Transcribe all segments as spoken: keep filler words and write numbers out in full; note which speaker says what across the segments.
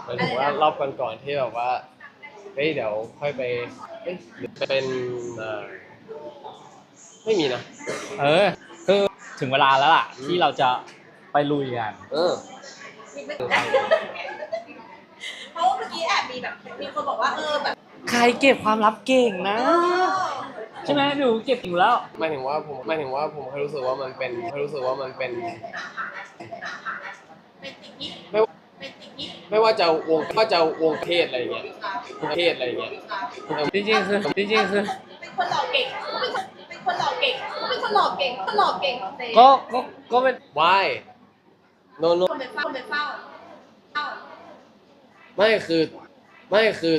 Speaker 1: หมายถึงว่ารอบก่อนๆที่แบบว่าเฮ้ยเดี๋ยวค่อยไปเอ้ยหรือเป็นเอ่อไม่มีนะ
Speaker 2: เออคือถึงเวลาแล้วล่ะที่เราจะไปลุยกัน
Speaker 1: เออ
Speaker 3: เพราะว่าเมื่อกี้แอบมีแบบมีคนบอกว่าเออแบบ
Speaker 2: ใครเก็บความลับเก่งนะใช่ไหมหนูเก็บอยู่แล้ว
Speaker 1: หมายถึงว่าผมหมายถึงว่าผมแค่รู้สึกว่ามันเป็นแค่รู้สึกว่ามันเป็น
Speaker 3: เป็นสิ่งที่
Speaker 1: ไม่
Speaker 3: เป็นสิ่งที่
Speaker 1: ไม่ว่าจะวงไม่ว่าจะวงเทศอะไรเงี้ยวงเทศอะไรเงี้ย
Speaker 2: จริงๆคือจริงๆคือ
Speaker 3: เป็นคนหล่อเก่งเป็นคนเป็นคนหล่อเก่งเป็นคนหล่อเก่งคนหล่อเก่งเต้
Speaker 2: ก็ก็ก็เป็น
Speaker 1: why no no
Speaker 3: คนไปเฝ้าคนไปเฝ้าเฝ้า
Speaker 1: ไม่คือไม่คือ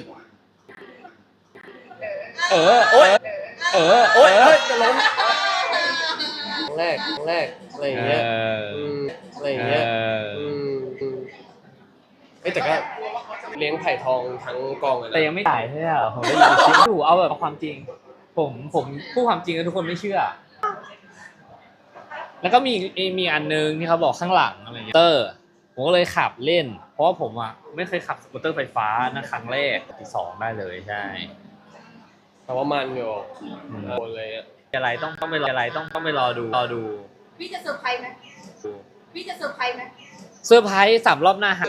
Speaker 2: เออโอ๊ยเออโอ๊ยเฮ้ยจะล้ม
Speaker 1: ครั้งแรกครั้งแรกอะไรอย่างเงี้ยอืมอะไรอย่างเงี้ยอืมเอ้แต่ก็เลี้ยงไผ่ทองทั้งกองเลยนะ
Speaker 2: แต่ยังไม่จ่ายใช่ไหมผมได้ยินคลิปอยู่เอาแบบความจริงผมผมพูดความจริงแล้วทุกคนไม่เชื่อแล้วก็มีมีอันนึงที่เขาบอกข้างหลังอะไรเงี้ยเตอร์ผมก็เลยขับเล่นเพราะว่าผมอ่ะไม่เคยขับสกูตเตอร์ไฟฟ้านะครั้งแรกที่สองได้เลยใช่
Speaker 1: แต่ว่ามันอยู่โดนเลยอะ
Speaker 2: อะไรต้องต้องไปรออะไรต้องต้องไปรอดูรอดู
Speaker 3: พี่จะเซอร์ไพรส์ไหมพี่จะเซอร์ไพรส์ไหม
Speaker 2: เซอร์ไพรส์สามรอบหน้าฮะ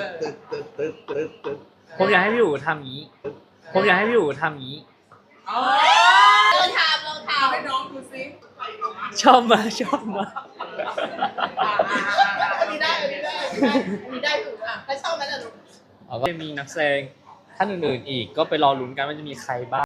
Speaker 2: ผมอยากให้พี่อยู่ทำงี้ผมอยากให้พี่อยู่ทำงี้
Speaker 3: ลองถามลองถามให้น้องดูซิ
Speaker 2: ชอบมาชอบมา
Speaker 3: อันนี้ได้อันนี้ได้อันนี้ได้ถูกอ่ะถ้าชอบนั้นแหละลูก
Speaker 2: แล้วก็มีนักแสดงท่านอื่นๆอีกก็ไปรอลุ้นกันว่าจะมีใครบ้าง